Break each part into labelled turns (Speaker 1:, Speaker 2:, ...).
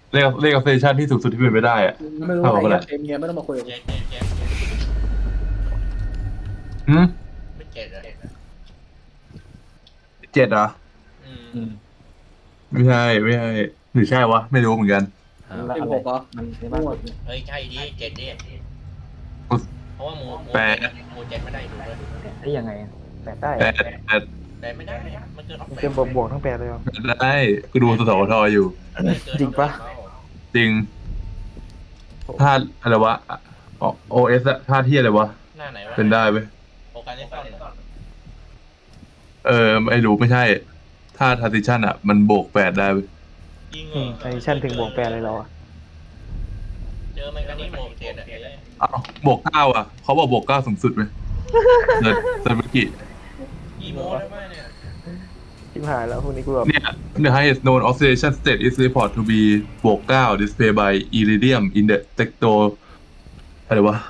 Speaker 1: เลขเซสชันที่สูงสุดที่เป็นไปได้อะ
Speaker 2: ไม่รู้
Speaker 1: เท่ากับ
Speaker 2: ไอ้เหี้ย
Speaker 1: เท่าไหร่
Speaker 2: เกมเฮียไม่ต้องมาคุยกับกู
Speaker 3: เจ็ด
Speaker 1: หืม
Speaker 3: ไม่เจ็ดอะ
Speaker 1: 7เหรอ
Speaker 3: อืม
Speaker 4: อืม
Speaker 1: ไม่ใช่ไม่ใช่หรือใช่วะไม่รู้เหมือนกัน
Speaker 4: มันละอะไร
Speaker 2: 16เหรอ
Speaker 4: มันในบ้าน
Speaker 2: มั่ว
Speaker 4: กดเนี่ย
Speaker 3: เฮ้ยใช่ดิเจ็ดดิเพราะว่าหมู
Speaker 1: แป
Speaker 3: เจ็ด
Speaker 1: ด
Speaker 3: หมูเจ็ดไม่ได้ดูเลย
Speaker 4: แปดได้ยังไงอะแปดได้
Speaker 1: แป
Speaker 4: อะ
Speaker 1: ดแปด
Speaker 3: แต่ไม่ได้มันเกินออฟ
Speaker 5: มัน
Speaker 3: แปด
Speaker 5: เกินบวกทั้งแปดเลยเหรอ
Speaker 1: ได้กูดูสสวทอยู่
Speaker 3: ไม่เกิน
Speaker 5: จริงปะ
Speaker 1: จริงธาตุอะไรวะโอเอสธาตุที่อะไรวะ
Speaker 3: หน้าไหนวะ
Speaker 1: เป็นได้ไหม
Speaker 3: โอกาสได้ซ่อนเหรอ
Speaker 1: เออไม่รู้ไม่ใช่ธาตุทาร์ติชันอ่ะมันบวกแปดได้เว้ย
Speaker 3: ยิงเหรอ
Speaker 5: ไอชั่นถึงบวกแปดเลยเหรอ
Speaker 3: เจอมันกันนี่หมูเจ็ดอะ
Speaker 1: อ้าวบวกเก้าอ่ะเขาบอกบวกเก้าสูงสุดไหมเมื่อกี้
Speaker 3: กี่โมได้ไหมเนี่ย
Speaker 5: ชิบหายแล้วพวกนี้กูแบบ
Speaker 1: เนี่ย the highest known oxidation state is reported to be บวกเก้า displayed by iridium in the tecto อะไรวะ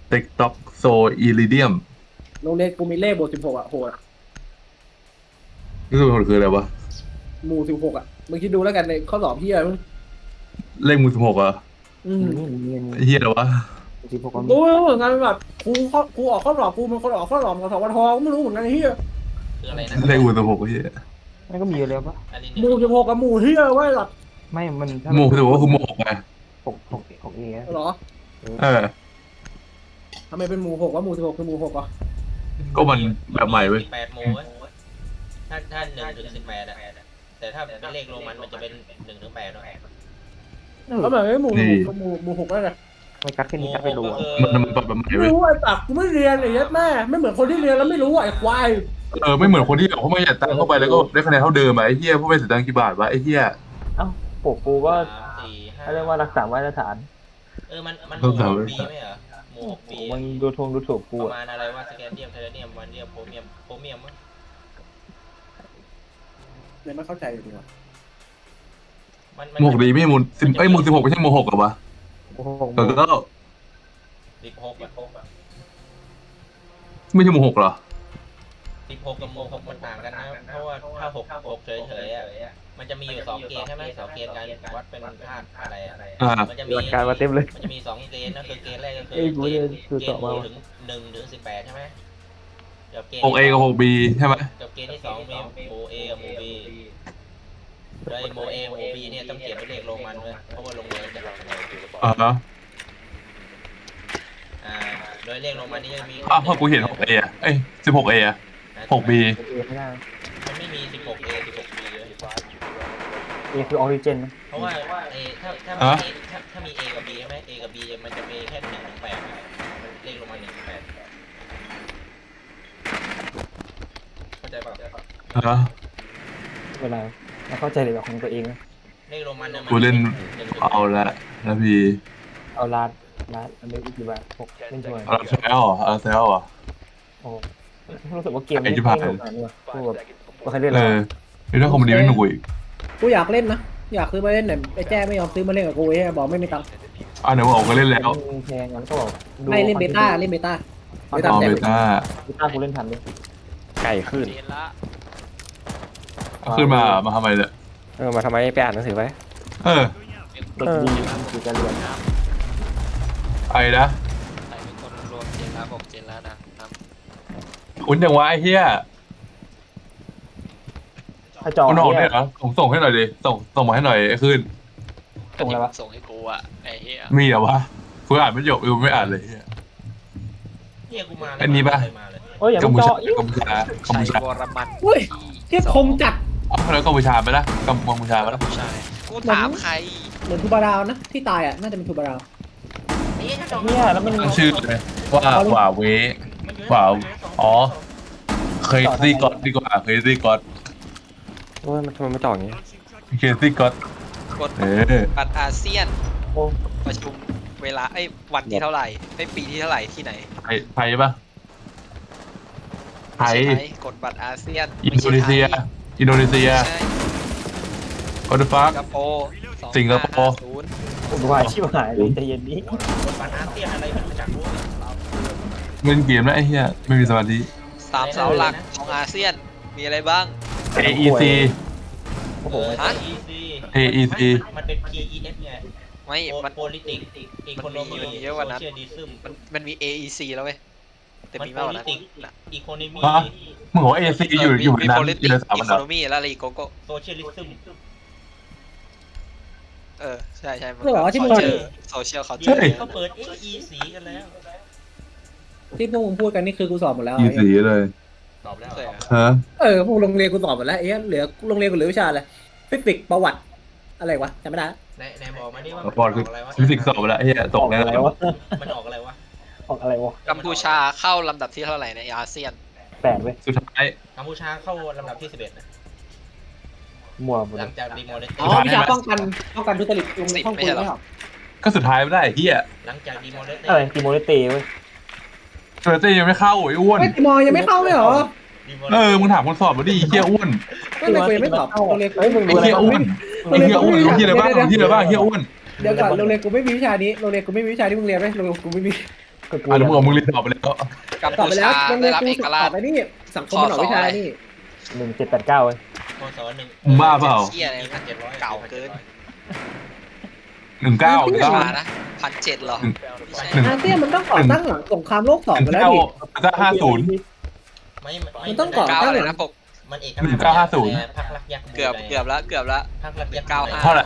Speaker 1: tectoxo iridium
Speaker 2: โรงเรียนกูมีเลขบวก16อ่ะโหดอะ
Speaker 1: นี่คืออะไรวะ
Speaker 2: หมู่16อ่ะมึงคิดดูแล้วกันในข้อสอบเฮียมึง
Speaker 1: เลขมือ16อ่ะ
Speaker 2: อืม
Speaker 1: เฮียเหรอวะ
Speaker 5: สิบหกก็มี
Speaker 2: กูไม่รู้เหมือนกันแบบครูออกข้อสอบกูเป็นคนออกข้อสอบของสวทก็ไม่รู้เหมือนกันไอ้เฮีย
Speaker 3: คืออะไรนะ
Speaker 1: เลขมือ16เฮีย
Speaker 5: มันก็มีอยู่แล้วปะ
Speaker 3: อันนี้
Speaker 2: หมู่16กับหมู่เฮียไว้หรอ
Speaker 5: ไม่มันถ้า
Speaker 1: หมู่16ก็คือหมู่6ไง
Speaker 5: หกเอ
Speaker 2: เหรอ
Speaker 1: เออ
Speaker 2: ทำไมเป็นหมู่6ว่าหมู่16คือหมู่6อ่ะ
Speaker 1: ก็มันแบบใหม่เว้ย
Speaker 3: 18โมเว้ยถ้า1 ถึง 18อะแต่ถ้าเป็นเลขโรมันจะเป็น1 ถึง 8เนาะ
Speaker 2: แล้วแบบไม่หมู่16กับหมู่6ได้ไง
Speaker 5: ไม่กัดแค่นี้กัดไปรู้อะ
Speaker 1: มันปรับแบบใหม่
Speaker 2: ไม่
Speaker 1: เว้ย
Speaker 2: รู้ไอ้ปากกูไม่เรียนไอ้ยัดแม่ไม่เหมือนคนที่เรียนแล้วไม่รู้ไอ้ควาย
Speaker 1: เออไม่เหมือนคนที่แบบเขาไม่อยากตังค์เข้าไปแล้วก็ได้คะแนนเท่าเดิมอะไอ้เฮียพวกไม่เสียตังค์กี่บาทวะไอ้เฮีย
Speaker 5: เอ้าปกกูก็
Speaker 3: 3 4 5
Speaker 5: เขาเรียกว่ารักษามาตรฐาน
Speaker 3: มันหมู่6ปีไหมเหรอหมู่6ปี
Speaker 5: มันดูทงดูถูกกู
Speaker 3: ประ
Speaker 5: อะ
Speaker 3: มาณอะไรว่าสแกนเดียมไทเทเนียมวานเดียมโพรเมียมมั้ง
Speaker 2: เนี่ยไม่เข้าใจอยู่ดีว่ะ
Speaker 1: หมวกดีไม่ใช่หมูสิบเอ้ยหมู16ไม่ใช่หมู6หรอวะ
Speaker 5: โอ้โห
Speaker 1: เออก็
Speaker 3: 16อะ
Speaker 1: ไม่ใช่หมู6เหรอ
Speaker 3: 16กับหมู่6มันต่างกันนะเพราะว่าถ้า6เฉยๆอะมันจะมีอยู่2เกณฑ์ใช่ไหม2เกณฑ์การวัดเป็นธาตุอะไรอะมันจะมี
Speaker 5: หลักการมาเต็มเลย
Speaker 3: มันจะมี2เกณฑ์นะคือเกณฑ์แรกก็คือ
Speaker 5: เอ้ยกูเนี่ยดู
Speaker 3: เก
Speaker 5: ต่อ
Speaker 3: ณฑ์ห
Speaker 5: มา
Speaker 3: มู่
Speaker 5: ว่ะ
Speaker 3: ถึง1 ถึง 18ใช่ไหมกับเกณฑ์
Speaker 1: 6A กับ 6B ใช่ไหม
Speaker 3: กับเกณฑ์ที่2มีหมู่ A กับหมู่ B โดยหมู่ A หมู่ B เนี่ยต้องเขียนเป็นเลขโรมันเว้ยเพราะว่าโรงเรียนจะรับคะแนน
Speaker 1: อ่าฮะ
Speaker 3: โดยเลขโรมันนี่จะมี
Speaker 1: อ้าวพอกูเห็น 6A อ่ะเอ้ย 16A อ่ะ 6B
Speaker 5: เอไม่ได้
Speaker 3: มันไม่มี 16A 16B เลย
Speaker 5: เอคือออริจินนะ
Speaker 3: เพราะว่าเอถ้า
Speaker 1: ฮะ
Speaker 3: ถ้ามี A กับ B ใช่ไหม A กับ B มันจะมีแค่1 ถึง 8มันเลขโรมัน1 ถึง 8เข้าใจป่ะ
Speaker 1: ฮะ
Speaker 5: เวลาเราเข้าใจเลยแบบของตัวเองนะ
Speaker 3: เลขโรมันเนี่ยมัน
Speaker 1: กูเล่น
Speaker 3: 1 ถึง
Speaker 1: เอาละนะพี่
Speaker 5: เอาลาดอันนี้อีกกี่บาท6เล่นช่วย
Speaker 1: เอาแซวเหรอเอาแซวเหรอ
Speaker 5: โอ้รู้สึกว่าเกม
Speaker 1: ไอ้
Speaker 5: นี้
Speaker 1: ที่
Speaker 5: ไม่
Speaker 1: ผ่าน
Speaker 5: สนุกเลยกูแบบว่าใครเล่น
Speaker 1: เอ
Speaker 5: แล้ว
Speaker 1: อนี่ถ้าคอมเมดี้ไม่หนุกอีก
Speaker 2: กูอยากเล่นนะอยากซื้อมาเล่นแต่ไอ้แจ้ไม่ยอมซื้อมาเล่นกับกูไอ้บอกไม่มีตังค์
Speaker 1: อ่ะเดี๋ยวบอกก็เล่นแล้ว
Speaker 5: แพงงั้นก็บอก
Speaker 2: ไม่เล่นเบต้าเล่นเบต้า
Speaker 1: อ๋อเบต้า
Speaker 5: เบต้ากูเล่นทันเลย
Speaker 6: ไก่ขึ้น
Speaker 1: เอาขึ้นมาทำไมเนี่ย
Speaker 6: มาทำไมไปอ่านหนังสือไป
Speaker 1: เออ
Speaker 5: เด็กดีคือการเรียน
Speaker 1: ไอ้นะ
Speaker 7: ใครเป็นคนรวมเจนละบอกเจนละนะครับ
Speaker 1: คุณยังวะไอ้เหี้ย
Speaker 5: ถ้าจอ
Speaker 1: มันออก
Speaker 5: เนี่
Speaker 1: เนี่ย ยเหรอส่งให้หน่อยดิส่งมาให้หน่อยไอ้ขึ้น
Speaker 5: ส่งอะไรวะ
Speaker 7: ส่งให้กูอ่ะไอ้เหี้ย
Speaker 1: มีเหรอวะกูอ่านไม่จบกูไม่อ่านเลยเหี้ย
Speaker 3: เนี่ยกูมา
Speaker 1: อันนี้ปะ
Speaker 3: มาเลย
Speaker 5: เอ้ยอย่า
Speaker 1: กัม
Speaker 5: มึง
Speaker 1: พู
Speaker 5: จ
Speaker 1: ชา
Speaker 5: อยิ่ง
Speaker 1: กัมพูชากัม
Speaker 7: ชั
Speaker 1: พู
Speaker 7: ย
Speaker 1: ชาว
Speaker 7: รมัน
Speaker 2: เฮ้ย
Speaker 7: ที่
Speaker 2: เทียบคมจัด
Speaker 1: อ๋อแล้วกัมพูชาไปละกัมพูชาไปละ
Speaker 7: ใช่กูถามใคร
Speaker 2: เหมือนทูบาราวนะที่ตายอ่ะน่าจะเป็นทูบาราว
Speaker 5: เนี่ยแล้วมัน
Speaker 1: ตั้งชื่อเลยว่าเวว่าอ๋อเคยซี่ก็อดดีกว่าเคยซี่ก็อด
Speaker 6: โอ้ยมันทำไมไม่ต่ออย่างงี้
Speaker 1: เคยซี่ก็อด
Speaker 7: กด
Speaker 1: เออ
Speaker 7: บัตรอาเซียน
Speaker 5: โอ้
Speaker 7: ประชุมเวลาวันที่เท่าไหร่ปีที่เท่าไหร่ที่ไหน
Speaker 1: ไทยปะไท
Speaker 7: ไม่
Speaker 1: ย
Speaker 7: ใช่ไทยกดบัตรอาเซียน
Speaker 1: อินโดนีเซียอินโดนีเซีย
Speaker 7: ใช่
Speaker 1: คอร์ดฟั
Speaker 7: สิ
Speaker 1: ก
Speaker 7: งคโปร์
Speaker 1: สิงคโปร์
Speaker 7: 2550
Speaker 5: ผมวายชิบหายเลยใจเย็นนี้
Speaker 3: ปัญหาเตี้ยอะไรมันมาจากรู้
Speaker 1: เล่นเกมแล้วไอ้เหี้ยไม่มีสมาธิ
Speaker 7: สามเสาหลักของอาเซียนมีอะไรบ้าง
Speaker 1: AEC
Speaker 5: โอ้โห
Speaker 7: ฮะ
Speaker 3: EC
Speaker 1: AEC
Speaker 3: มันเป็น PEF ไง
Speaker 7: ไม่มัน
Speaker 3: โพลิติกอีโคโนมี
Speaker 7: มันมีเยอะกว่านั้น
Speaker 3: โซเชียลิซึม
Speaker 7: มันมี AEC แล้วเว้ยแต่
Speaker 3: มัน
Speaker 7: มี
Speaker 3: โพ
Speaker 7: มากกว่า
Speaker 3: ลิ
Speaker 7: นั้น
Speaker 3: ติกอีโคโนมี
Speaker 1: ฮะมึงบอกว่าเอซีอยู่ในนั้น
Speaker 7: politics
Speaker 1: อยู่ในสามอันดับ
Speaker 7: economy แล้วอะไรอีกโกโก้
Speaker 3: โซเชียลิซึม
Speaker 7: ใช่มัน
Speaker 2: คือแบบว่าที่มึง
Speaker 7: social culture
Speaker 1: ใช่
Speaker 3: เขาเปิด AEC กันแล้ว
Speaker 2: ที่พวกมึงพูดกันนี่คือกูสอบหมดแล้ว
Speaker 1: อีสีเลย
Speaker 3: ตอบแล้ว
Speaker 7: ใช่
Speaker 1: ฮะ
Speaker 2: พวกโรงเรียนกูสอบหมดแล้วไอ้เหี้ยเหลือโรงเรียนกูเหลือวิชาอะไรฟิสิกส์ประวัติอะไรวะจำไม่ได้
Speaker 3: ในบอกมาดิว่า
Speaker 1: บอลคือฟิสิกส์สอบไปแล้วไอ้เหี้ยตกแล้ว
Speaker 5: อะไรวะ
Speaker 3: มันออกอะไรวะ
Speaker 5: ออกอะไรวะ
Speaker 7: กัมพูชาเข้าลำดับที่เท่าไหร่ในอาเซียน
Speaker 5: 8เว้ย
Speaker 1: สุดท้าย
Speaker 3: กัมพูชาเข้าลำดับที่ 11 นะ
Speaker 5: มั่วหมด
Speaker 3: ห
Speaker 5: เล
Speaker 3: ลั
Speaker 5: ย
Speaker 3: งจากดีโมเลต
Speaker 2: อ๋อวิชาป้องกันทุจริตลงในห้องกูไม่หรอ
Speaker 1: ก็สุดท้ายไม่ได้ไอ้เหี้ย
Speaker 3: หลังจากดีโมเลต
Speaker 5: อะไรติโมเลเต้เว้ย
Speaker 1: เฟอร์เต้ยังไม่เข้าไอ้อ้วน
Speaker 2: ไม่มอยังไม่เข้าไม่หรอ
Speaker 1: มึงถามคนสอบมาดิไอ้เหี้ยอ้วน
Speaker 2: ไม่เป็นกูยังไม่สอบโรงเรียนกู
Speaker 5: เฮ้ยมึง
Speaker 1: ไอ้
Speaker 5: ดูอะไร
Speaker 1: เหี้ยอ้วนไอ้เหี้ยอ้วนรู้ที่อะไรบ้างรู้ที่อะไรบ้างไอ้เหี้ยอ้วน
Speaker 2: เดี๋ยวก่อนโรงเรียนกูไม่มีวิชานี้โรงเรียนกูไม่มีวิชาที่มึงเรียนไหมโรงเรียนกูไม่มี
Speaker 5: ก็กู
Speaker 1: อ่ะแล้วมึงเรียนสอบไปแล้ว
Speaker 7: กัม
Speaker 2: สอบ
Speaker 7: พู
Speaker 2: ไปแล้
Speaker 7: ชาว
Speaker 2: โรงเรี
Speaker 7: ได้
Speaker 2: ยน
Speaker 7: รับ
Speaker 2: กู
Speaker 7: เอก
Speaker 2: ส
Speaker 7: รา
Speaker 2: อ
Speaker 7: ช
Speaker 2: บไปนี่สังคมมันออกวิชานี่
Speaker 5: 1789เว้ย
Speaker 3: พศ1
Speaker 1: มึงบ้าเปล่า
Speaker 7: เชี่ยอะไรนะเก่าเกิน
Speaker 1: 19
Speaker 7: กัมพูชานะ1,700เหรอไม่ใช่
Speaker 2: อาเซียนมันต้องก่อตั้งหลังสงครามโลก2ไปแล้วดิ
Speaker 1: 1950
Speaker 3: ไม่
Speaker 2: มันต้องก่อ
Speaker 7: เก้า
Speaker 2: ตั้ง
Speaker 7: เล
Speaker 2: ห
Speaker 7: ย
Speaker 2: ลั
Speaker 7: นะ
Speaker 2: ง
Speaker 7: ปก
Speaker 3: มันเอก
Speaker 1: 1950
Speaker 3: พักรักยักษ์
Speaker 7: เกือบละ
Speaker 3: พักรักยักษ์
Speaker 7: 195
Speaker 1: เท่าไหร่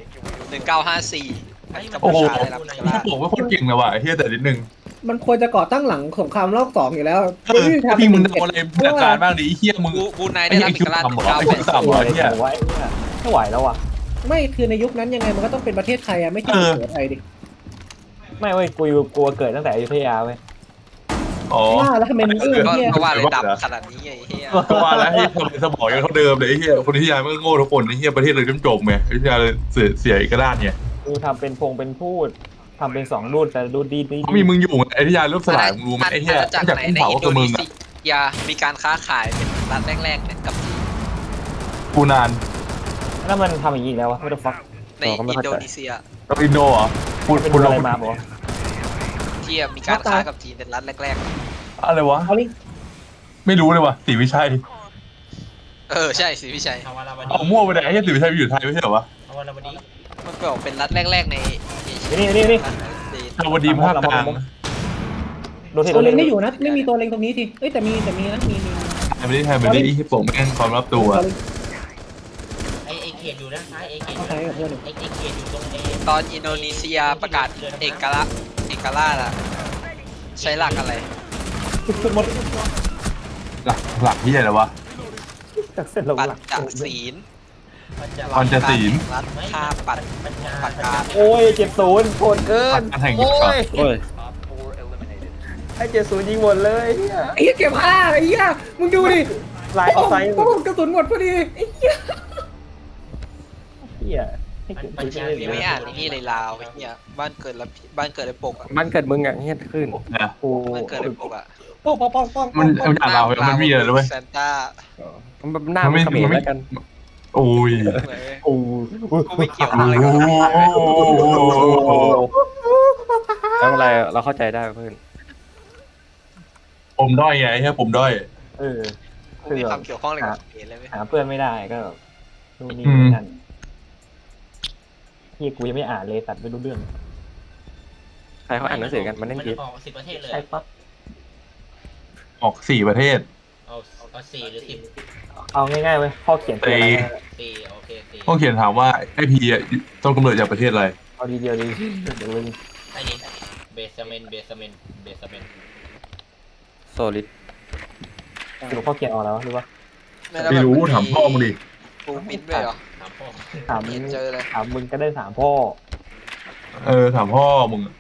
Speaker 7: 1954กัม
Speaker 1: โอ้
Speaker 7: พู
Speaker 1: โห
Speaker 7: ชาได้รับเอกรา
Speaker 1: ถ้า
Speaker 7: ช
Speaker 1: บอกว่าคนเก่งเลยว่ะไอ้เหี้ยแต่นิดนึง
Speaker 2: มันควรจะก่อตั้งหลังสงครามโลก2อยู่แล้ว
Speaker 1: พี่มึงโดนอะไรจากการบ้างดิไอ้เหี้ยมึง
Speaker 7: บูไนได้รับเอกราช
Speaker 1: ไอ้คิวต่ำเหรอ
Speaker 5: ตัวอะไรกูวะไอ้เนี่ยไม่ไหวแล้วอ่ะ
Speaker 2: ไม่คือในยุคนั้นยังไงมันก็ต้องเป็นประเทศไทยอะไม่ใช่สุโขทัยดิ
Speaker 5: ไม่เว้ยกูกลัวเกิดตั้งแต่อยุธยาเว้ย
Speaker 1: อ๋อ
Speaker 2: ว่าแล้วทำไมมึงเอื้อ
Speaker 7: ก็
Speaker 2: เหี้ย
Speaker 7: ก็ว่าเลยดำขนาดนี้ไอ้เหี้ย
Speaker 1: ก็ว่าแล้วให้สมองยังเท่าเดิมเลยไอ้เหี้ยคนที่ยายมันก็โง่ทุกคนไอ้เหี้ยประเทศเลยจมไงไอ้เหี้ยเลยเสียกระด้านไง
Speaker 5: กูทำเป็นเป็นพูดทำเป็น2รูดแต่รูดดี
Speaker 1: เขามีมึงอยู่ไอ้ที่ยายรูปสลายมึงรู้ไหมไอ้เหี้ย
Speaker 7: จาก
Speaker 1: จาก
Speaker 7: ไหน
Speaker 1: กุ้ง
Speaker 7: ใน
Speaker 1: เผา
Speaker 7: อินโด
Speaker 1: กับมึ
Speaker 7: นี
Speaker 1: ง
Speaker 7: เซี
Speaker 1: อ่ะ
Speaker 7: ยมีการค้าขายเป็นรัฐแรกๆเนี่ยกับจีน
Speaker 1: กูนาน
Speaker 5: ๆแล้วมันทำอย่างนี้อีกแล้ววะ what the fuck
Speaker 7: ในอินโดนีเซีย
Speaker 1: กับอินโดเหรอพูด
Speaker 5: เป็น
Speaker 1: พูด
Speaker 5: อะไร
Speaker 1: เรา
Speaker 5: มาบอก
Speaker 7: ที่มีการค้ากับจีนเป็นรัฐแรก
Speaker 1: อะไรวะ
Speaker 2: เอาลิ
Speaker 1: ไม่รู้เลยว่ะศรีวิชัย
Speaker 7: ๆใช่สิพี่ชัย
Speaker 3: ทวารวดี
Speaker 1: เอามั่วไปไหนไอ้เหี้ยศรีวิชัยไปอยู่ไทยไม่ใช่เหรอวะ
Speaker 3: ทวารวดี
Speaker 7: มันบอกเป็นรัฐแรกๆในเอเชีย
Speaker 5: นี่
Speaker 1: ชาวดีภาคกลาง
Speaker 5: ดูที่
Speaker 2: ตัวเล็งไม่อยู่นะไม่มีตัวเล็งตรงนี้สิเอ้ยแต่มีนะมี
Speaker 1: ไทยไม่ได้ไทยไม่ได้อีโป่งแม่งความลับตัว
Speaker 3: ไอเขตอยู่ด้านซ้ายไอเขตอ
Speaker 2: เอา
Speaker 3: ยู่
Speaker 2: ใช้กับเพื่อน
Speaker 3: ไอเขตอยู่ตรงเอ
Speaker 7: ตอนอินโดนีเซียประกาศเอกราชอะใช้หลักอะไร
Speaker 2: หมด
Speaker 1: หลักที่อะไรวะ
Speaker 5: จากเส้นลง
Speaker 7: ปัญ
Speaker 5: หลัก
Speaker 7: จศีล
Speaker 1: ปัญจศีล
Speaker 7: รัฐท่าปัด
Speaker 3: ปัญญา
Speaker 7: ปากกา
Speaker 5: โอ้ย70โคตรเกิน
Speaker 1: อันแห่งยุคก่อน
Speaker 6: โอ้ย
Speaker 5: ไอ้70ยิงหมดเลยเนี่ย
Speaker 2: ไอ้เหี้ยเก็บผ้าไอ้เหี้ยมึงดูดิ
Speaker 5: ลายเอาไซส์
Speaker 2: โอ้กระสุนหมดพอดีไอ้เหี้ย
Speaker 5: เหี้ยให้เก็บไปเลย
Speaker 7: ไม่อ่านนี่เลยลาวไอ้เหี้ยบ้านเกิดในปกอะ
Speaker 6: มันเกิดมึงอ่ะเฮี้ยขึ้น
Speaker 1: นะ
Speaker 5: กู
Speaker 7: บ้านเกิดในปกอะ
Speaker 2: ป้อง
Speaker 1: มันอ่านเราเหรอมันมีอะไรด้วย
Speaker 7: แซนต้า
Speaker 6: มันหน้ามันเขมรแล้วกัน
Speaker 1: โอ้ย
Speaker 5: โอ้
Speaker 7: กูไม่เกี่ยวอะไรกับ
Speaker 6: แล้วอะไรเราเข้าใจได้เพื่อน
Speaker 1: ผมด้อยไงใช่ผมด้อย
Speaker 5: เออ
Speaker 7: กูมีความเกี่ยวข้องอะไรกับเขมรเลยไหม
Speaker 5: หาเพื่อนไม่ได้ก็นู่นนี่นั่นที่กูยังไม่อ่านเลยตัดไม่รู้เรื่อง
Speaker 6: ใครเขาอ่านหนังสือกันมันเล่น
Speaker 3: มัน
Speaker 6: เกม
Speaker 3: ออก10 ประเทศเลย
Speaker 5: ใช่ปะ
Speaker 1: ออก4 ประเทศ
Speaker 3: เอา4 หรือ
Speaker 5: เอาง่ายๆเว้ยข้อเขียนคืออะไรนะ
Speaker 3: 10 4โอเค4
Speaker 1: ต้องเขียนถามว่าไอพีต้องกำเนิดจากประเทศอะไร
Speaker 5: เอาดีเดียวดีเดี๋ยวเลย
Speaker 3: ไอ้นี่เบสเมน
Speaker 6: โซลิด
Speaker 5: สรุปข้อเขียนออกแล้วหรือว่า
Speaker 1: ไม่รู้ถามพ่อมึงดิ
Speaker 7: กูมินด้วยเหรอ
Speaker 3: ถามพ่อ
Speaker 5: ถาม
Speaker 7: เห็นเจอเลย
Speaker 5: ถามมึงก็ได้ถามพ่อ
Speaker 1: ถามพ่อมึง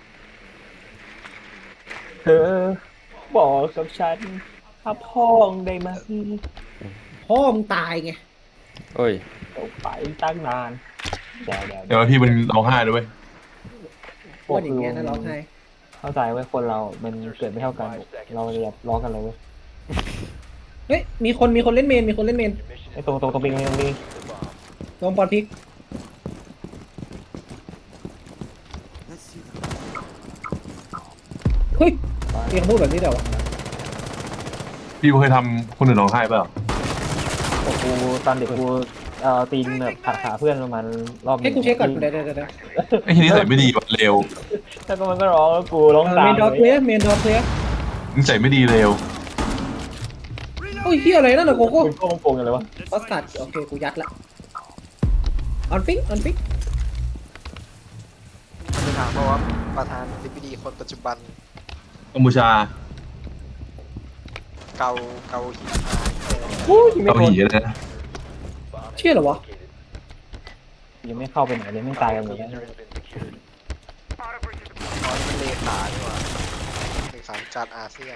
Speaker 5: เธอบอกกับฉันถ้าพ่อได้ไหม
Speaker 2: พ่อมึงตายไง
Speaker 6: โอ้ย
Speaker 5: ตกไปตั้งนานเดี๋ยว
Speaker 1: เดี๋ยวพี่มันร้องไห้ด้วย
Speaker 2: พูดอย่างเงี้ยนะร้องไห้
Speaker 5: เข้าใจไว้คนเรา มันเกิดไม่เท่ากัน เราเรียบร้องกันเลยเว้ย
Speaker 2: เฮ้ยมีคนเล่นเมน
Speaker 5: ไอ้ตรงปิงตรงนี้
Speaker 2: ลองปอนพริกเฮ้ยเรียกพูดแบบนี้เดี๋ยววะ
Speaker 1: พี่เคยทำคนอื่นร้องไห้เปล่า
Speaker 5: กูตอนเด็กกูตีนแบบขาเพื่อนประมาณรอบห
Speaker 2: ให้
Speaker 5: นึ่ง
Speaker 2: กูเช็คก่อนเดี๋ยว
Speaker 1: ไอ้ทีนี้ใส่ไม่ดีว่ะเร็ว
Speaker 5: แล้วก็มันก็ร้องแล้วกูร้อง
Speaker 2: เม
Speaker 5: ตาม
Speaker 2: นดอร์เคลียร์เมนดอร์เคลียร์
Speaker 1: นิสัยไม่ดีเร็ว
Speaker 2: โอ้ยเฮียอะไรนั่นน่ะโกโก้
Speaker 5: มึงโกงกันเลยวะ
Speaker 2: ออสการ์โอเคกูยัดละออนฟิก
Speaker 7: จะถามเพราะว่าประธานธิบดีคนปัจจุบัน
Speaker 1: กัมพูชา
Speaker 7: เกาหิน
Speaker 1: เกาหลีนะ
Speaker 2: เชื่อเหรอวะ
Speaker 5: ยังไม่เข้าไปไหนเลยไม่ตายกันหมดแล้ว
Speaker 7: อ๋อนี่มันเลขาดีกว่าเลขาธิการอาเซียน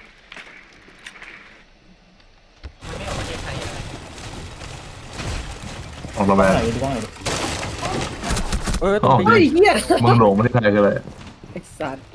Speaker 3: มันไม่เอาประเทศไทยอะ
Speaker 1: ออกมา
Speaker 5: ไหน
Speaker 1: แบบ
Speaker 5: ดูบ้างหน่อยดิ
Speaker 6: เออต้อง
Speaker 2: เฮ้ยเฮีย
Speaker 1: มึงหลงไม่ได้ใครกันเลย
Speaker 2: ไอ้สัตว์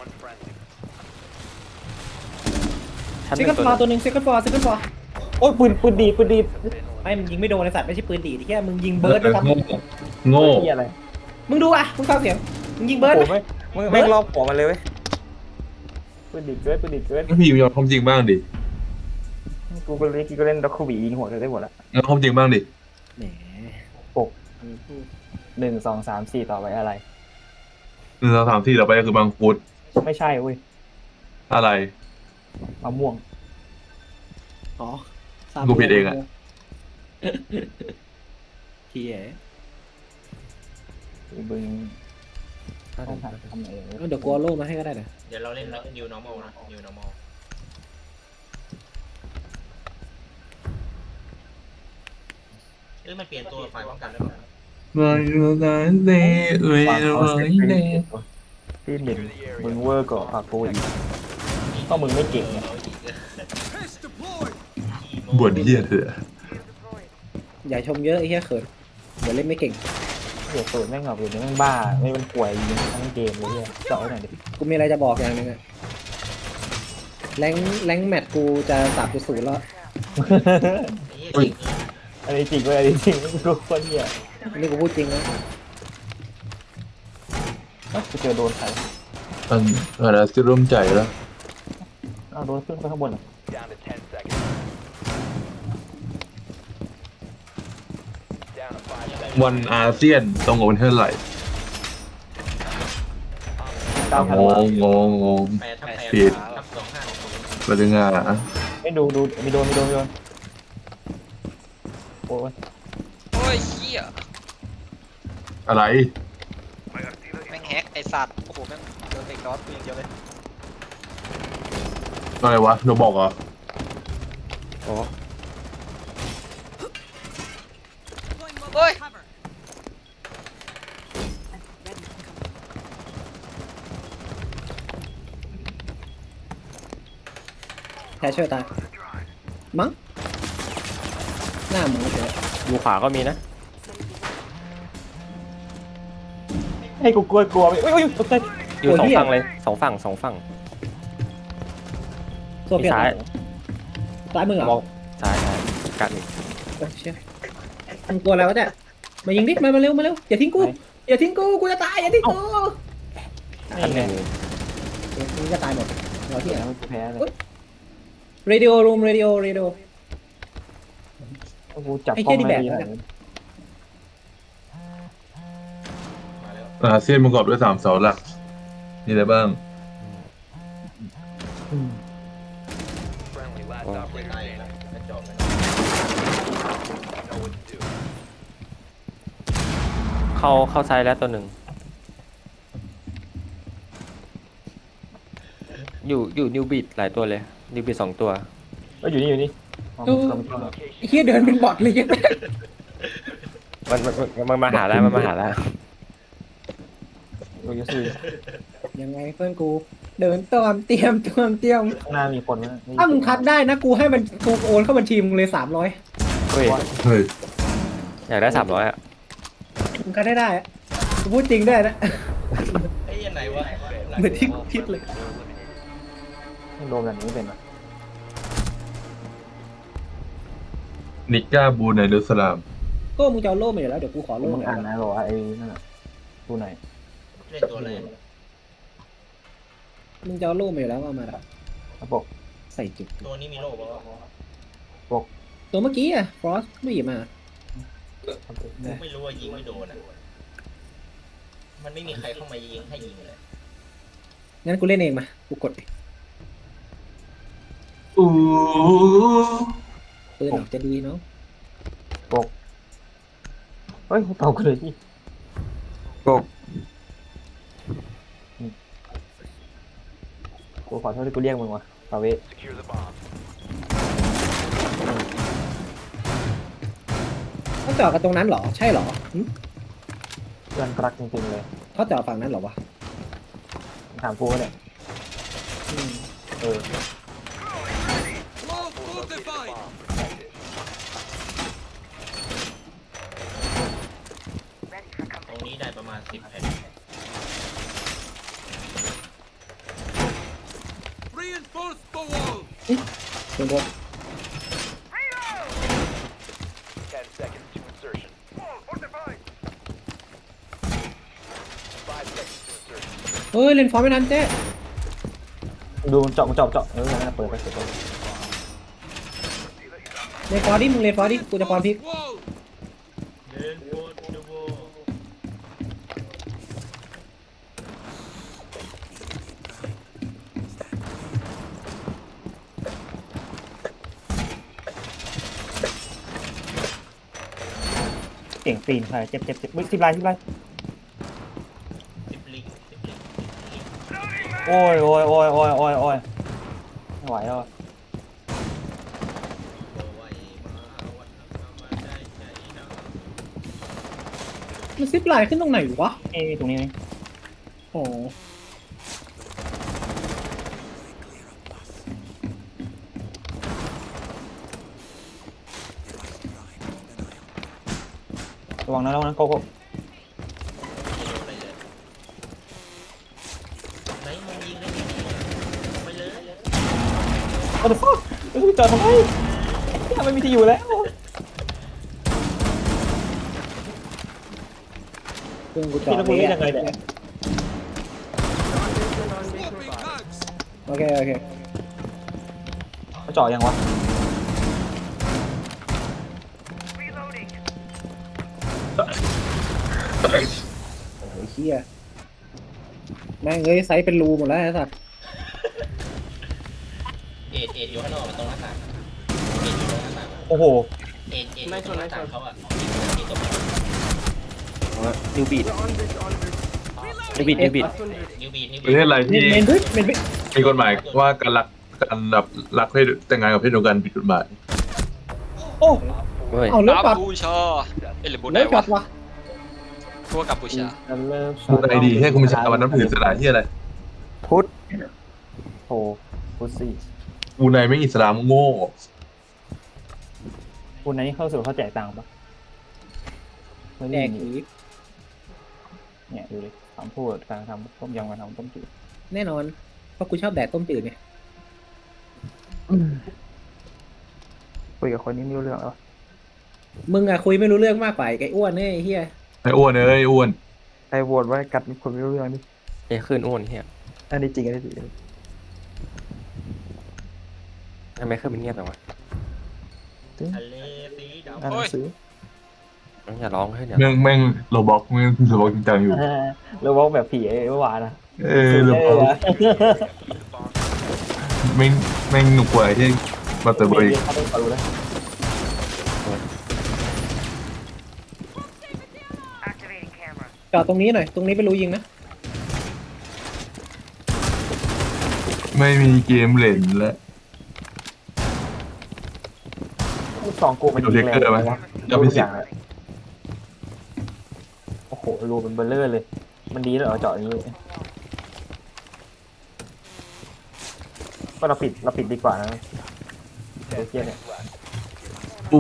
Speaker 6: ชั้นห
Speaker 2: เซ
Speaker 6: นึ่
Speaker 2: คัน
Speaker 6: งตัว
Speaker 2: ฟอร์ตัวหนึ่งเซคันฟอร์
Speaker 5: โอ้ยปืนดี
Speaker 2: ไม่มึงยิงไม่โดนไอ้สัตว์ไม่ใช่ปืนดีดที่แค่มึงยิงเบิร์ดนะครับ
Speaker 1: โง่
Speaker 5: ที่อะไร
Speaker 2: มึงดูอ่ะมึงฟังเสียงมึงยิงเบิร์ด
Speaker 5: โอ้
Speaker 2: ไหม
Speaker 5: ไม่
Speaker 6: ไม่รอบหัวมันเลยเว้ย
Speaker 5: ปืนดีเกิน
Speaker 1: แล้วพี่ยอมความจริงบ้างดิ
Speaker 5: กูก็เล่นด็อกคูบียิงหัวได้หมดละ
Speaker 1: งั้นความจริงบ้างดิ
Speaker 2: แหม
Speaker 5: 1 2 3 4ต่อไปอะไร
Speaker 1: 1 2 3 4ต่อไปก็คือบางฟุต
Speaker 5: ไม่ใช่เว้ย
Speaker 1: อะไร
Speaker 5: มะม่วง
Speaker 2: อ๋อ
Speaker 1: กูผิดเองอะ
Speaker 2: เฮีย
Speaker 5: บึงต้องหาทำไหน
Speaker 2: เดี๋ยวกูเอาโล่มาให้ก็ได้นะ
Speaker 3: เดี๋ยวเราเล่น new normal นะ new normal มันเปลี่ยนตัวฝ่ายป้องกันได้ไหม
Speaker 5: ที่หนึ่งมึงเวอร์ก่อปากโกอีกก็มึงไม่เก่งไง
Speaker 1: บวชเหี้ยเถอะ
Speaker 2: อย่าชมเยอะไอ้เฮียเขินเดี๋ยวเล่นไม่เก่ง
Speaker 5: เดี๋ยวเปิดแม่งแบบเดี๋ยวแม่งบ้าไม่เป็นป่วยยิงทั้งเกมเลยเนี่ยเจาะหน่อยดิ
Speaker 2: กูมีอะไรจะบอกอย่างหนึงอะแรงแมตช์กูจะ3.0แล้ว
Speaker 5: อันนี้จริงเว้ยอันนี้จริงกูคนเหี้ย
Speaker 2: นี่กูพูดจริงนะ
Speaker 5: กูเจอโดนใคร
Speaker 1: อะไรจะร่วมใจแล้ว
Speaker 5: เอาโดนขึ้นไปข้างบนอ่ะ
Speaker 1: วันอาเซียนตรงกับวันเท่าไหร่
Speaker 5: 9,000
Speaker 1: ง
Speaker 5: วาง
Speaker 1: ง
Speaker 3: 8
Speaker 1: ผิด
Speaker 3: ทับ25
Speaker 1: ประเด็นงาน
Speaker 5: ไม่ดูมีโดนโอ้ย
Speaker 7: โอ้ยเหี้ย
Speaker 1: อะไร
Speaker 7: แม่งแฮกไอสัตว์โอ้โหแม่งโดนเด็กดอสกูอย่างเดียวเลย
Speaker 1: อะไรวะโดบอกเหรอ
Speaker 6: โอ้
Speaker 7: เฮ้ย
Speaker 2: แทชเชอร์ตายมั้งหน้าหมูเฉย
Speaker 6: อยู่ขวาก็มีนะ
Speaker 5: ให้กูกลัวไปโอ้ยตกใจ
Speaker 6: อยู่สองฝั่งเลยสองฝั่ง
Speaker 2: โซเฟีย
Speaker 6: ซ้าย
Speaker 2: ซ้ายมือเหร
Speaker 6: ม
Speaker 2: อ
Speaker 6: องซ้ายกัดอีก
Speaker 2: โอ้เชี่ยมันกลัวอะไรวะเนี่ยมายิงดิมาเร็วอย่าทิ้งกูกูจะตายอย่าทิ้งกู
Speaker 6: ชั้นหนึ่ง
Speaker 2: เดี๋ยวมึงจะตายหมดเราที่ไหน
Speaker 5: แล้วกูแพ้เลย
Speaker 2: radio room radio
Speaker 5: กูจับกล้องไม่ดีหน่อย
Speaker 3: มาแล้ว
Speaker 1: อาเซียนประกอบด้วย3 เสาหลักมีอะไรบ้าง
Speaker 6: โอ้
Speaker 3: ไม่ตายแล้วกระจอกเลย
Speaker 6: เข้าซ้ายแล้วตัวหนึ่งอยู่นิวบิดหลายตัวเลยนิวบิด2 ตัว
Speaker 5: ก็อยู่นี่
Speaker 2: ไอ้เหี้ยเดินเป็นบอทเลยยัง
Speaker 6: มันมาหาแล้วมันมาหาแล้ว
Speaker 5: กูจะซื้อ
Speaker 2: ยังไงเพื่อนกูเดินตอมเตรียม
Speaker 5: ข้างหน้ามีคนนะ
Speaker 2: ถ้ามึงคัดได้นะกูให้มันกูโอนเข้าบัญชีมึงเลย300
Speaker 6: เฮ้ย
Speaker 1: เฮ้ย
Speaker 6: อยากได้300อ่ะ
Speaker 2: มึงคัดได้อะกูพูดจริงด้วยนะ
Speaker 3: ไอ้ยังไหนวะ
Speaker 2: เหมือนที่กูคิดเลย
Speaker 5: โดนแบบนี้เป็นปะ
Speaker 1: นิก้าบูในเดอร์สลาม
Speaker 2: ก็มึงจะเอาโล่มาอยู่แล้วเดี๋ยวกูขอโล่
Speaker 5: มึง
Speaker 2: หน่
Speaker 5: อ่า
Speaker 2: อน ย
Speaker 5: นะบอกว่าไอ้นั่นน่ะดูไหน
Speaker 3: เล่นตัวเลย
Speaker 2: มึงจะเอาโล่มาอยู่แล้วเอามาละ
Speaker 5: ระบบ
Speaker 2: ใส่จุด
Speaker 3: ตัวนี้มีโล่ป่าวะ
Speaker 2: ตัวเมื่อกี้อะฟรอสไม่หยิบมา
Speaker 3: ไม่รู้ว่ายิงไม่โดนอ่ะมันไม่มีใครเข้ามายิงให้ยิงเลย
Speaker 2: งั้นกูเล่นเองมากูกดดิ
Speaker 1: อู้
Speaker 2: ปืนออกจะดีเนาะ
Speaker 5: เฮ้ยตอบกันเลยที่
Speaker 6: โกก
Speaker 5: กูขอโทษที่กูเรียกมึงว่ะฟาเวส
Speaker 2: เขาจอดกันตรงนั้นเหรอใช่เหรอหึ
Speaker 5: เพื่อนรักจริงๆเลย
Speaker 2: เขาจอดฝั่งนั้นเหรอวะ
Speaker 5: ถามกูเนี่ย
Speaker 2: อืม
Speaker 5: เออ
Speaker 3: ตรงนี้ได้ประมาณ10 แผ่น
Speaker 2: โดนโดนเฮ้ยเล่นฟอร์มไม่ทันเจ๊
Speaker 5: ดูมันเจาะเออนั่นนะเปิดไป
Speaker 2: เล่นฟอร์ดิมึงเล่นฟอร์ดิกูจะฟอร์มพลิก
Speaker 3: เดินโบนดูโบ
Speaker 5: เก่งตีนใครเจ็บมึง10 ลาย
Speaker 3: 10 ลิง10 ลิง
Speaker 5: โอ้ยไม่ไหวแล้ว
Speaker 3: โอ้ยมาวันนั้นมาได้ใจนะ
Speaker 2: มันซิปไลน์ขึ้นตรงไหนวะ
Speaker 5: ตรงนี้นี่
Speaker 2: โอ้
Speaker 5: ระวังนะโก
Speaker 3: ไหนมึงยิงได้ยังไงไปเลย
Speaker 5: โอ้เดี๋ยวฟักจอดทำไมไม่มีที่อยู่แล้ว
Speaker 2: เครื่องกูจอด
Speaker 5: พี่แล้วมึงเล่นยังไงเนี่ย
Speaker 2: โอเคโอเค
Speaker 5: เขาเจาะยังวะ
Speaker 2: โอ้ยเฮียแม่งเอ้ยไซส์เป็นรูหมดแล้วไอ้สัส
Speaker 3: เอ็ดอยู่ข้างนอกตรงหน้าต่างเอ็ดอยู่ตรงหน้าต่าง
Speaker 5: โอ้โห
Speaker 3: เอ็ดอยู่ตรงหน้าต่างเขาอ่ะที่ตรง
Speaker 6: นิวบีดนิวบีด
Speaker 3: นิวบีด
Speaker 1: ประเทศอะไรที่
Speaker 2: เมนบิด
Speaker 1: มีกฎหมายว่าการแบบรักเพศแต่งงานกับเพศเดียวกันผิดกฎหมาย
Speaker 2: โอ้
Speaker 6: เฮ้ย
Speaker 2: เอาเลิก
Speaker 7: กั
Speaker 2: ปัด
Speaker 7: มพูชาหรือบุญไหน
Speaker 2: เลิกปั
Speaker 7: วะ
Speaker 2: ดวะ
Speaker 7: พวกกัมพูชา
Speaker 1: พูดไอดีให้กูมีชาวันน้ำถือสลาที่อะไร
Speaker 5: พุทธโอ้พุทธสี่
Speaker 1: กูในไม่อิสลามโง่
Speaker 5: คุณนั้นเข้าสู่เขาแจกตังค์ปะไม่
Speaker 2: แด
Speaker 5: ได้
Speaker 2: ก
Speaker 5: ยิน
Speaker 2: หี
Speaker 5: เนี่ยดูดิคำพูดการทำต้มยำการทำต้มจืด
Speaker 2: แน่นอนเพราะกูชอบแดกต้มจืดไง
Speaker 5: คุยกับคนนี้ไม่รู้เรื่องแล้ว
Speaker 2: มึงอะคุยไม่รู้เรื่องมากกว่าไอ้อ้วนเนี่ยไอ้เฮีย
Speaker 1: ไอ้อ้วนเอ้ยอ้วน
Speaker 5: ไอ้โหวตว่ากัดคนไม่รู้เรื่องนี่
Speaker 6: เอ้ขึ้นอ้วนเฮีย
Speaker 5: อันนี้จริง
Speaker 6: ทำไมขึ้นเป็นเงียบจังวะ
Speaker 3: ทะเลสีดำ
Speaker 5: อ่านหนังสือ
Speaker 6: อย่าร้องขึ้นอย่า
Speaker 1: แม่งโรบอกแม่งโรบอกจริงจังอยู่
Speaker 5: แล้วว่าแบบผีเมื่อวานนะ
Speaker 1: โรบอกแม่งหนุกกว่าไอ้ที่มาเตอร์เบย์
Speaker 5: เขาต้องรู้นะ
Speaker 2: จอดตรงนี้หน่อยตรงนี้เป็นรูยิงนะ
Speaker 1: ไม่มีเกมเล่นแล้ว
Speaker 5: สองกูมันยิงแรงวะโอ้โหรูมันเบลเลอร์เลย มันดีเหรอเจาะอย่างนี้ก็เราปิดดีกว่านะเดี๋ยวเทียเนี่ย
Speaker 1: อู้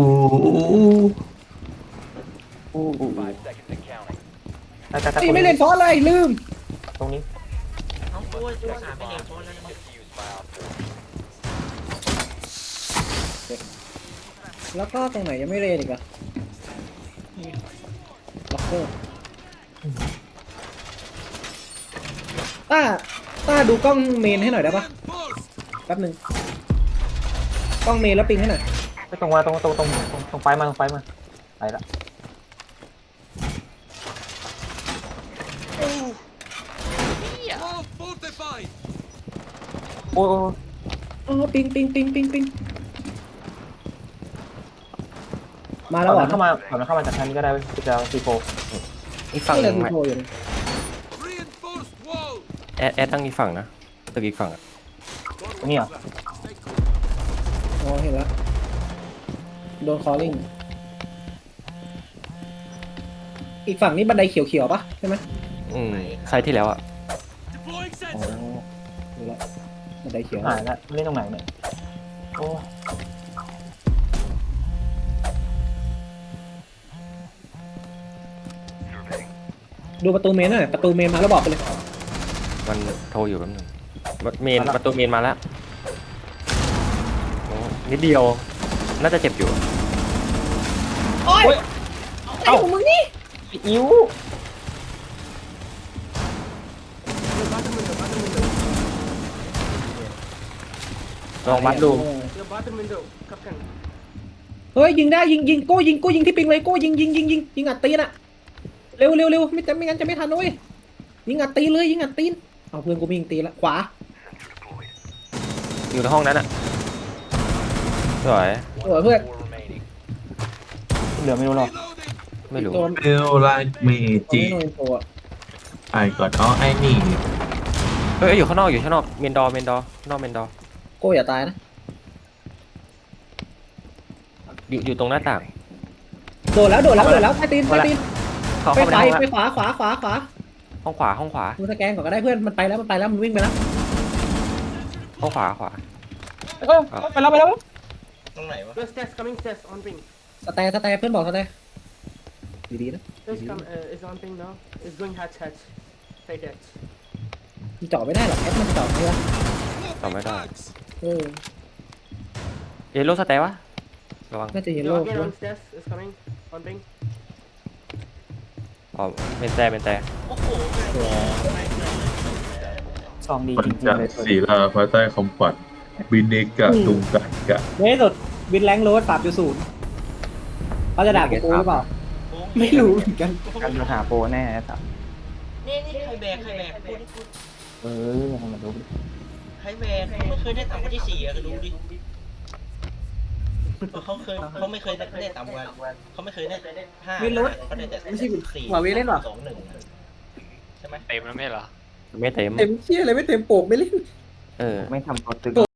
Speaker 2: ไอ้ไม่เล่นฟอสเลยลืม
Speaker 5: ตรงนี้
Speaker 3: น้องกล้วยตัวสามไม่เด็กโฟนแล้วนะ
Speaker 2: แล้วก็ตรงไหนยังไม่เล่นอีกอะล็อกเกอร์ต้าดูกล้องเมนให้หน่อยได้ปะแป๊บหนึงกล้องเมนแล้วปิงให้หน่อย
Speaker 5: ตรงไปมาไปละโอ้ย
Speaker 2: อ๋อปิงมาแล้วเหรอ
Speaker 5: เข้ามาก่อนเข้ามาจากทางนี้ก็ได้จะซีโฟ
Speaker 6: อีกฝั่ง
Speaker 2: นี่
Speaker 6: ห
Speaker 2: เล
Speaker 6: นึ่
Speaker 2: ย
Speaker 6: ง
Speaker 2: โทรอยู่
Speaker 6: แอดตั้งอีกฝั่งนะตึกอีกฝั่งอ่ะ
Speaker 5: นี่เหรอ
Speaker 2: อ๋อเห็นแล้วโดนคอลลิ่งอีกฝั่งนี้บันไดเขียวๆปะใช่ไหม
Speaker 6: ไซต์ที่แล้วอ่ะ
Speaker 2: อ๋อดูแล้วบันไดเขียว
Speaker 5: หายแล้วเล่นตรงไหนเนี่ยโอ้
Speaker 2: ดูประตูเมนหน่อยประตูเมนมาแล้วบอกไปเลย
Speaker 6: มันโทรอยู่แป๊บนึงเมนประตูเมนมาแล้วโอ้นิดเดียวน่าจะเจ็บอยู่
Speaker 2: โอ้ยไอ้ของมึงนี่
Speaker 5: อิ้ว
Speaker 6: ลองวัดดู
Speaker 2: เฮ้ยยิงได้ยิงโก้ยิงที่ปิงเลยโก้ยิงอัดตีนอะเร็วไม่งั้นจะไม่ทันนะเว้ยยิงอัดตีนเลยยิงอัดตีนเอาเพื่อนกูมียิงตีนละขวา
Speaker 6: อยู่ในห้องนั้นอ่ะสวย
Speaker 2: เพื่อน
Speaker 5: เหลือไม่รู้หรอก
Speaker 6: ไม่รู้
Speaker 2: โดน
Speaker 1: เอลไลท์เมจิ
Speaker 2: โดนตัว
Speaker 1: ไอ้ก่อนอ๋อไอ้นี่
Speaker 6: เฮ้ยอยู่ข้างนอกเมนดอร์นอกเมนดอร์
Speaker 2: โก้อย่าตายนะ
Speaker 6: อยู่ตรงหน้าต่าง
Speaker 2: โดนแล้วใต้ตีน
Speaker 6: เข้า
Speaker 2: ไป
Speaker 6: เข้าไปในห้องละ
Speaker 2: ไปขวา
Speaker 6: ห้องขวา
Speaker 2: ดูสแกนก่อนก็ได้เพื่อนมันไปแล้วมันวิ่งไปแล้ว
Speaker 6: ห้องขวา
Speaker 5: ไปแล้ว
Speaker 3: ตรงไหนวะ
Speaker 8: Stairs coming stairs on ping.
Speaker 2: สแตนเพื่อนบอกสแตนดีๆนะ
Speaker 8: Stairs come is on ping now. It's going hatch. Right hatch.
Speaker 2: มันเจาะไม่ได้หรอกแอปมันเจาะไม่ได้
Speaker 6: ต่อไม่ได้
Speaker 2: เออ
Speaker 6: เยลโล่สเตย์วะระวัง
Speaker 2: น่าจะเห็น
Speaker 8: No,
Speaker 2: โลก
Speaker 8: again on stairs is coming on ping.
Speaker 6: อ๋อเมนแต่
Speaker 5: ซองดี
Speaker 1: ปัญ
Speaker 5: จริง
Speaker 1: จ
Speaker 5: ๆเลย
Speaker 1: ศีลาภายใต้คำปัดบินเนกะตุงกะกะ
Speaker 2: ในที่สุดวินแรงโรด3.0เขาจะด่ากูหรือเปล่าไม่รู้เหมือนกัน
Speaker 5: การโดนหาโปรแน่สับ
Speaker 3: นี่ใครแบกพูด
Speaker 5: ให้มาดู
Speaker 3: ใครแบกเขาไม่เคยได้ต่ำกว่าที่4อะก็ดูดิเขาไม่เคยได้ต่ำกว่าเขาไม่เคยได้5เขาได้แต่4
Speaker 2: หัวเวเล่นหรอ
Speaker 3: 2-1ใช่ไหม
Speaker 6: ไม่เต็ม
Speaker 2: เต็มเชี่ยอะไรไม่เต็มโปกไม่เล่น
Speaker 6: เออ
Speaker 5: ไม่ทำตัวตึง